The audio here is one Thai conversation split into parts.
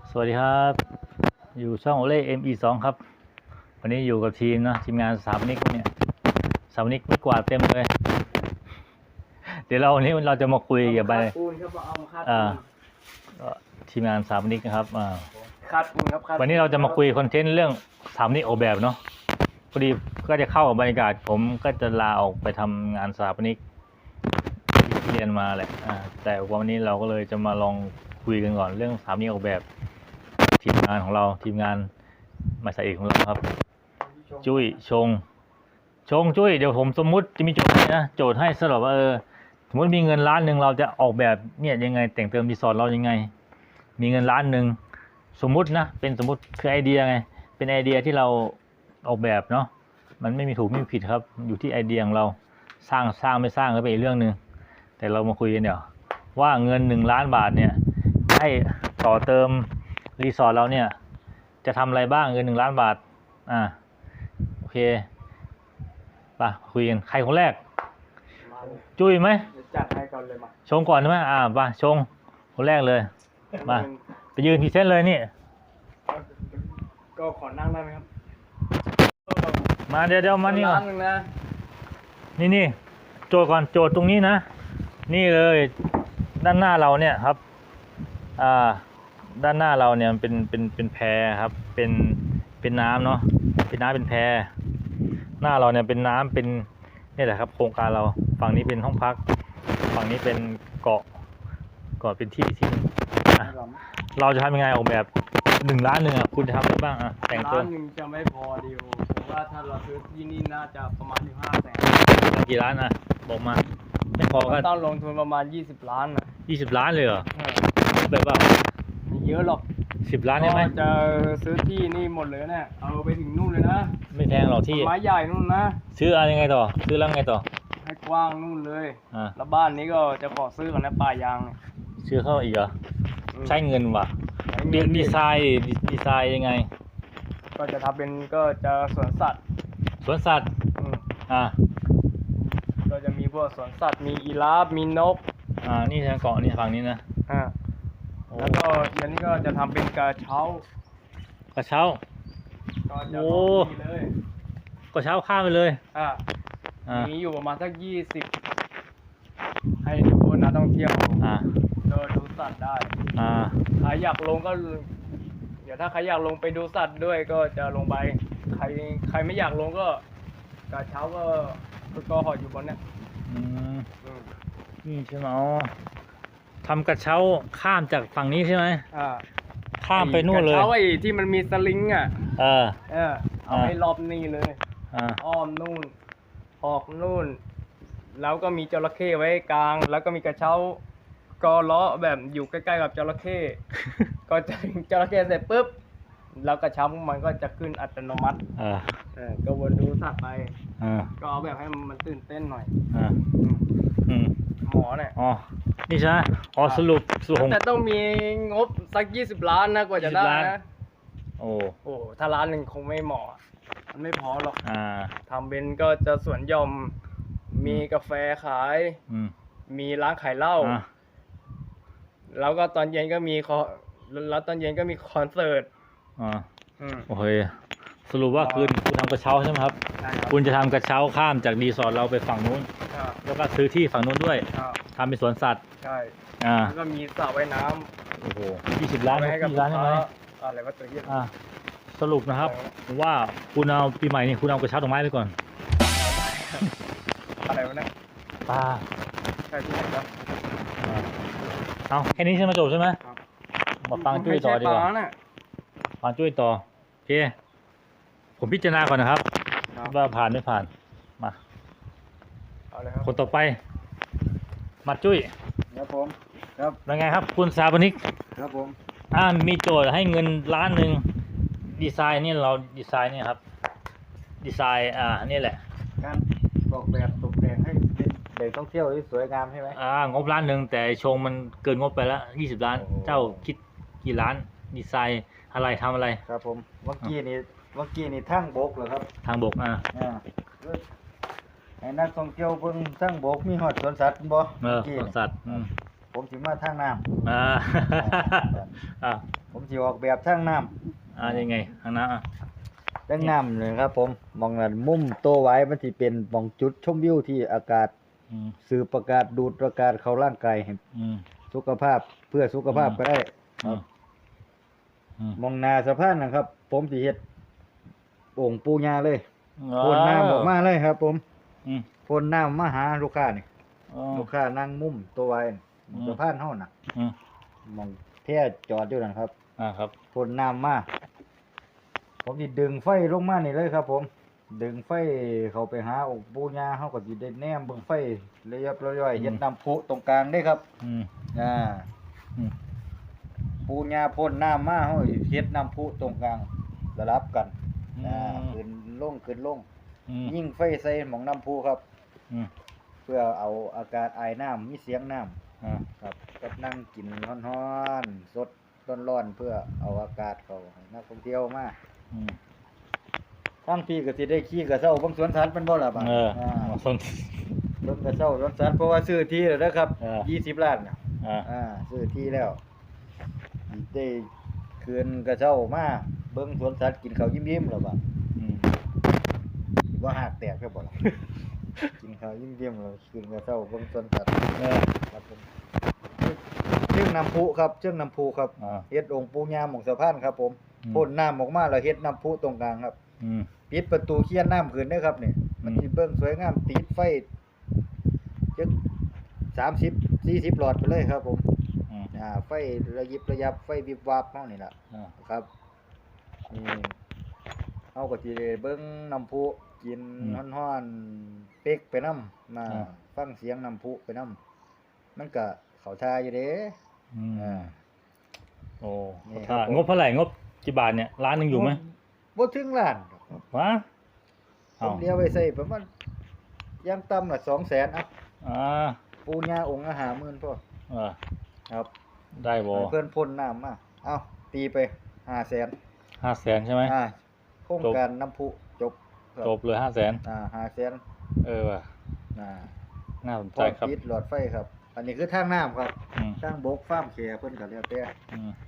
สวัสดีครับอยู่ช่องโอเล่ ME2 ครับวันนี้อยู่กับทีมนะทีมงานสถาปนิกเนี่ยสถาปนิกไม่กวาดเต็มเลยเดี๋ยววันนี้เราจะมาคุยเกี่ยวกับปูนครับเอามาคาดทีมงานสถาปนิกนะครับคาดปูนครับวันนี้เราจะมาคุยคอนเทนต์เรื่องสถาปนิกออกแบบเนาะพอดีก็จะเข้ากับบรรยากาศผมก็จะลาออกไปทำงานสถาปนิกที่เรียนมาแหละแต่วันนี้เราก็เลยจะมาลองคุยกันก่อนเรื่องสถาปนิกออกแบบทีมงานของเราทีมงานมาสายเอกของเราครับจุ้ยชงจุ้ยเดี๋ยวผมสมมุติจะมีโจทย์ให้นะโจทย์ให้สำหรับว่าสมมติมีเงิน1,000,000เราจะออกแบบเนี่ยยังไงแต่งเติมรีสอร์ทเรายังไงมีเงิน1,000,000สมมุตินะเป็นสมมุติคือไอเดียไงเป็นไอเดียที่เราออกแบบเนาะมันไม่มีถูกไม่มีผิดครับอยู่ที่ไอเดียของเราสร้างไม่สร้างก็เป็นอีกเรื่องนึงแต่เรามาคุยกันเดี๋ยวว่าเงิน1,000,000 บาทเนี่ยให้ต่อเติมรีสอร์ทเราเนี่ยจะทำอะไรบ้างเงิน1,000,000 บาทโอเคป่ะคุยกันใครคนแรกจุ้ยไหมจัดให้ก่อนเลยมาชงก่อนใช่ไหมป่ะชงคนแรกเลยมาไปยืนพรีเซนต์เลยนี่ก็ขอนั่งได้ไหมครับมาเดี๋ยวมานี่ก่อนนี่โจทย์ก่อนโจทย์ตรงนี้นะนี่เลยด้านหน้าเราเนี่ยครับด้านหน้าเราเนี่ยเป็นแพครับเป็นน้ำเนาะเป็นน้ำเป็นแพหน้าเราเนี่ยเป็นน้ำเป็นนี่แหละครับโครงการเราฝั่งนี้เป็นห้องพักฝั่งนี้เป็นเกาะเป็นที่เราจะทำยังไงออกแบบ1,000,000คุณจะทำอะไรบ้างแต่งเติม 1,000,000จะไม่พอดิวผมว่าถ้าเราซื้อที่นี่น่าจะประมาณ500,000 กี่ล้านบอกมาไม่พอก็ต้องลงทุนประมาณ20 ล้าน 20 ล้านเลยเหรอแบบว่าไม่เยอะหรอก 10 ล้านได้ไหมจะซื้อที่นี่หมดเลยเนี่ยเอาไปถึงนู่นเลยนะไม่แพงหรอกที่ไม้ใหญ่นู่นนะซื้ออะไรยังไงต่อซื้อแล้วไงต่อให้กว้างนู่นเลยแล้วบ้านนี้ก็จะขอซื้อกันนะป่ายางซื้อเข้าอีกเหรอใช้เงินว่ะดีไซน์ยังไงก็จะทำเป็นก็จะสวนสัตว์ก็จะมีพวกสวนสัตว์มีอีราฟมีนกนี่ทางเกาะนี่ฝั่งนี้นะแล้วก็อันนี้ก็จะทำเป็นกระเช้าก็จะโอ้กระเช้าข้ามไปเลยมีอยู่ประมาณสัก20ให้ทุกคนนักท่องเที่ยวดูสัตว์ได้ใครอยากลงก็เดี๋ยวถ้าใครอยากลงไปดูสัตว์ด้วยก็จะลงไปใครไม่อยากลงก็กระเช้าก็ห่ออยู่บนนี้นี่ใช่ไหมทำกระเช้าข้ามจากฝั่งนี้ใช่ไหมข้ามไปนู่นเลยกระเช้าไอ้ที่มันมีสลิงเอาให้รอบนี่เลยอ้อมนู่นออกนู่นแล้วก็มีจระเข้ไว้กลางแล้วก็มีกระเช้ากอล้อแบบอยู่ใกล้ๆกับจระเข้ก็จะจระเข้เสร็จปุ๊บแล้วกระเช้ามันก็จะขึ้นอัตโนมัติก็วนดูสัตว์ไปก็เอาแบบให้มันตื่นเต้นหน่อยหมอเนี่ยนี่ใช่ไหมสรุปแต่ต้องมีงบสัก20 ล้านนะกว่าจะได้นะโอ้ถ้าล้านหนึ่งคงไม่เหมาะมันไม่พอหรอกทำเป็นก็จะสวนหย่อมมีกาแฟขายมีร้านขายเหล้าแล้วก็ตอนเย็นก็มีคอนเสิร์ตโอเคสรุปว่าคุณทำกระเช้าใช่ไหมครับคุณจะทำกระเช้าข้ามจากรีสอร์ทเราไปฝั่งนู้นแล้วก็ซื้อที่ฝั่งนู้นด้วยทำเป็นสวนสัตว์ใช่แล้วก็มีสระว่ายน้ำโอ้โห20 ล้าน20 ล้านใช่ไหมอะไรวะตัวเหี้ยสรุปนะครับว่าคุณเอาปีใหม่นี่คุณเอากระเช้าดอกไม้ไปก่อนอะไรวะเนี่ยปลาใช่ที่ไหนครับเอาแค่นี้ใช่ไหมจบใช่ไหมมาฟังจุ้ยต่อดีกว่าฟังจุ้ยต่อโอเคผมพิจารณาก่อนนะครับว่าผ่านไม่ผ่านมาคนต่อไปมาจุ้ยครับผมครับเป็นไงครับคุณสถาปนิกครับผมมีโจทย์ให้เงิน1,000,000ดีไซน์นี่เราดีไซน์นี่ครับดีไซน์นี่แหละการออกแบบตกแต่งให้เด็กท่องเที่ยวที่สวยงามใช่ไหมงบ1,000,000แต่ชงมันเกินงบไปแล้ว20 ล้านเจ้าคิดกี่ล้านดีไซน์อะไรทำอะไรครับผมเมื่อกี้นี่ทั้งบกเหรอครับทางบกไอ้นักท่องเที่ยวเพิ่งทั้งบกมีหอดสวนสัตว์บ่สวนสัตว์ผผมสิมาทางน้ำอ่า อ่าผมสิออกแบบทางน้ำยังไงทางน้ำอ่ะทางน้ำเลยครับผมมองนั้นมุมโตไว้มันสิเป็นมองจุดชมวิวที่อากาศอืมสืบอากาศดูดอากาศเข้าร่างกายให้อืมสุขภาพเพื่อสุขภาพก็ได้คอืรัมบอืมมองหนาสะพานนะครับ ผมสิเฮ็ดองค์ปู่ย่าเลยพ่นน้ำออกมาเลยครับ ผมอืมพ่นน้ำมาหาลูกค้านี่อ๋อลูกค้านั่งมุมตัวไว้นี่อืมสะพานเฮาน่ะอืมมองแท้จอดอยู่นั่นครับครับพ่นน้ำมาผมสิดึงไฟลงมานี่เลยครับ ผม ดึงไฟเข้าไปหาองค์ปู่ย่าเฮาก็สิได้แนมเบิ่งไฟระยับระย่อยเฮ็ดน้ำพุตรงกลางได้ครับอืมอ่าอืมปู่ย่าพ่นน้ำมาเฮาเฮ็ดน้ำพุตรงกลางสลับกันขึ้นลงขึ้นลงอืมยิ่งไฟใส่หม่องน้ำพุครับอืมเพื่อเอาอากาศอายน้ำมีเสียงน้ำอ่าครับกับนั่งกินร้อนๆสดร้อนๆเพื่อเอาอากาศเข้าให้นักท่องเที่ยวมาอืมทั้งพี่ก็สิได้ขี่กระเซ้าเบิ่งสวนสัตว์เป็นบ่ล่ะบัดสนเบิ่งกระเซ้าสวนสัตว์เพราะว่าซื้อที่แล้วนะครับ 20 ล้านน่ะอ่าซื้อที่แล้วได้คืนกระเซ้ามาเบิ่งสวนสัตว์กินข้าวยิ้มๆแล้วบัดอืมว่าหากแตกแค่บ่ล่ะ กินข้าวยิ้มๆแล้วคืนกระเซ้าเบิ่งสวนสัตว์ ครับผมเชื่องน้ำพุครับเชื่องน้ำพุครับอ่าเฮ็ดองค์ปู่ย่าหม่องสะพานครับผมอืมพ่นน้ำออกมาแล้วเฮ็ดน้ำพุตรงกลางครับอืมปิดประตูเคียนน้ำขึ้นเด้อครับนี่มันสิเบิ่งสวยงามติดไฟจัก30 40 หลอดไปเลยครับผมอืมไฟระยิบระยับไฟวิบวับเฮานี่ล่ะอ่าครับนี่เฮาก็สิได้เบิ่งน้ำพุกินอืมร้อนๆเป๊กไปนำมาอ่าฟังเสียงน้ำพุไปนำมันก็เข้าท่าอยู่เด้อืมอ่าโอ้นี่ครับผมงบเท่าไหร่งบกี่บาทเนี่ยล้านหนึ่งอยู่ไหมบ่ถึงล้านดอกวะผเอ้ามเดียวไว้ใส่ประมาณอยังต่ำน่ะ200,000อ่ะอ่าปูญาองค์ละ50,000พอเออครับได้บ่ให้เพิ่นพ่นน้ำมาเอ้าตีไป500,000 500,000ใช่ไหมโครงการน้ำพุจบครับจบเลย500,000 500,000 เออว่ะอ่าน่าสนพใจร้อมครับติดหลอดไฟครับ อันนี้คือทางน้ำครับอืมทางบกฟาร์มแขเพิ่นก็แล้วแต่อืม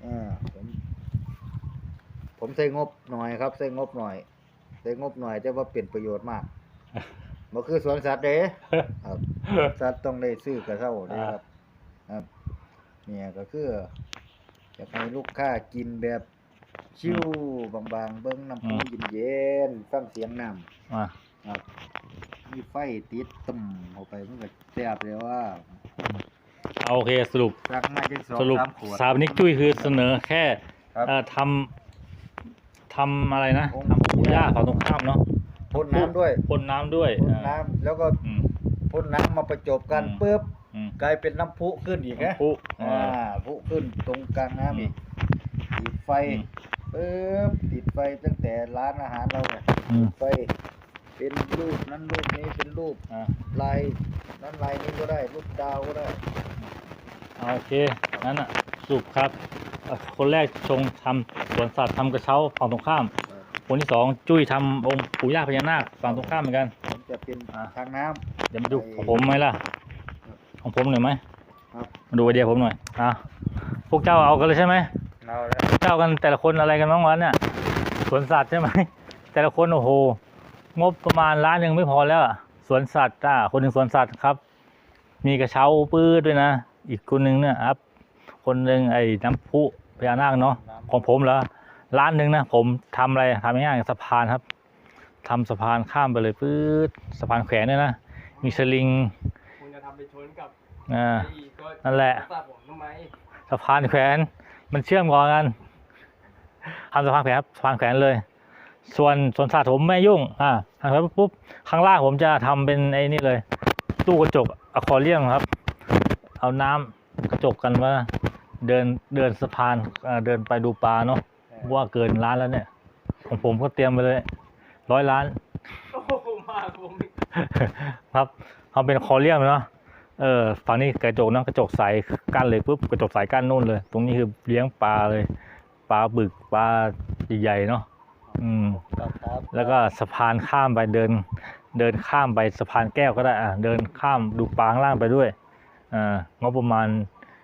ผมใช้งบหน่อยครับใช้งบหน่อยใช้งบหน่อยแต่ว่าเป็นประโยชน์มากบ่คือสวนสัตว์เด้ครับ สัตว์ต้องได้ซื้อกระเช้าเด้ครับ ครับเนี่ยก็คืออยากให้ลูกค้ากินแบบชิวบางๆเบิ่งน้ำพุเย็นๆฟังเสียงน้ำอ่าครับมีไฟติดตึมเข้าไปมันก็แซ่บเลยว่าเอาโอเคสรุปสักมาจังสรุป 2-3ขวดสถาปนิกจุ้ยคือเสนอแค่ครับทำอะไรนะองค์ทำปู่ย่าฝั่งตรงข้ามเนาะพ่นน้ำด้วยพ่นน้ำด้วยพ่นน้ำแล้วก็อืมพ่นน้ำมาประจบกันอืมปึ๊บอืมกลายเป็นน้ำพุขึ้นอีกนะปุ๊พุขึ้นตรงกลางน้ำอีกติดไฟอืมปึ๊บติดไฟตั้งแต่ร้านอาหารเราเนี่ยอืมไฟเป็นรูปนั้นรูปนี้เป็นรูปอ่าลายนั้นลายนี้ก็ได้รูปดาวก็ได้เอาโอเคนั้นอ่ะสรุปครับคนแรกชงทำสวนสัตว์ทำกระเช้าฝั่งตรงข้าม คนที่สองจุ้ยทำองค์ปู่ย่าพญานาคฝั่งตรงข้ามเหมือนกันผมจะเป็นอ่าทางน้ำเดี๋ยวมาดูของผมไหมล่ะ ของผมหน่อยไหมครับมาดูไอเดียผมหน่อยพวกเจ้าเอากันเลยใช่ไหมเอาแล้วเจ้ากันแต่ละคนอะไรกันบ้างวะเนี่ยสวนสัตว์ใช่ไหม แต่ละคนโอ้โหงบประมาณล้านหนึ่งไม่พอแล้วอะสวนสัตว์คนหนึ่งสวนสัตว์ครับ มีกระเช้าปื้ดด้วยนะ อีกคนหนึ่งเนี่ยครับ คนหนึ่งไอ้น้ำพุพญานาคเนาะของผมเหรอล้านหนึ่งนะผมทำอะไรทำง่ายๆสะพานครับทำสะพานข้ามไปเลยปื้ดสะพานแขวนด้วยนะมีสลิงคุณจะทำไปชนกับอ่าไอ้ตัวนั่นแหละทราบผมทำไมสะพานแขวนมันเชื่อมต่อกันทำสะพานแขวนครับสะพานแขวนเลย ส่วนสวนสัตว์ผมไม่ยุ่งทำไปปุ๊บข้างล่างผมจะทำเป็นไอ้นี่เลย ตู้กระจกอะควาเรียมครับ เอาน้ำกระจกกันว่าเดินสะพานเดินไปดูปลาเนาะว่าเกินล้านแล้วเนี่ย ของผมก็เตรียมไปเลย100 ล้านโอ้โหมากผมอีกครับเอาเป็นอะควาเรียมเนาะฝั่งนี้กระจกนะกระจกใสกั้นเลยปุ๊บกระจกใสกั้นนู่นเลย ตรงนี้คือเลี้ยงปลาเลยปลาบึกปลาใหญ่ๆเนาะครับแล้วก็สะพานข้ามไปเดินข้ามไปสะพานแก้วก็ได้เดินข้ามดูปลาข้างล่างไปด้วยงบประมาณ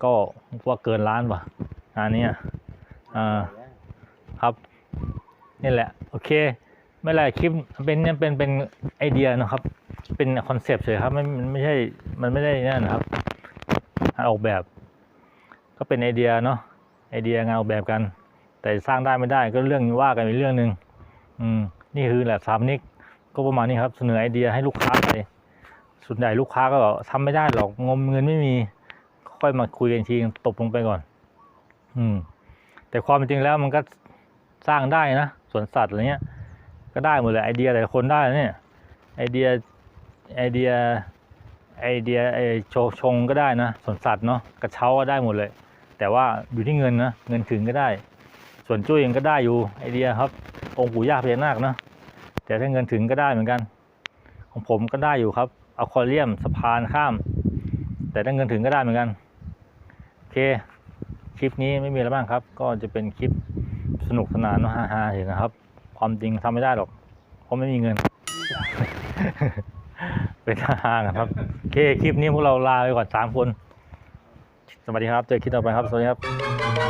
ก็ว่าเกินล้านป่ะงานนี้ครับนี่แหละโอเคไม่เป็นไรคลิปเป็นไอเดียนะครับ เป็นคอนเซปต์เฉยครับมันไม่ใช่มันไม่ได้นั่นนะครับงานออกแบบก็เป็นไอเดียเนาะไอเดียงานออกแบบกัน แต่สร้างได้ไม่ได้ก็เรื่องว่ากันอีกเรื่องหนึ่งนี่คือแหละสถาปนิกก็ประมาณนี้ครับเสนอไอเดียให้ลูกค้าไปส่วนใหญ่ลูกค้าก็ทำไม่ได้หรอกงมเงินไม่มีค่อยมาคุยกันทีตบลงไปก่อนแต่ความเป็นจริงแล้วมันก็สร้างได้นะสวนสัตว์อะไรเงี้ยก็ได้หมดเลยไอเดียแต่ละคนได้เนี่ยไอเดียชงก็ได้นะสวนสัตว์เนาะกระเช้าก็ได้หมดเลยแต่ว่าอยู่ที่เงินนะเงินถึงก็ได้ส่วนจุ้ยเองก็ได้อยู่ไอเดียครับองค์ปู่ย่าพญานาคนะแต่ถ้าเงินถึงก็ได้เหมือนกันของผมก็ได้อยู่ครับอะควาเรียมสะพานข้ามแต่ถ้าเงินถึงก็ได้เหมือนกันโอเคคลิปนี้ไม่มีอะไรบ้างครับก็จะเป็นคลิปสนุกสนานฮาๆเห็นนะครับความจริงทำไม่ได้หรอกเพราะไม่มีเงิน เป็นฮาๆกันครับโอเคคลิปนี้พวกเราลาไปก่อน3 คนสวัสดีครับเจอคลิปต่อไปครับสวัสดีครับ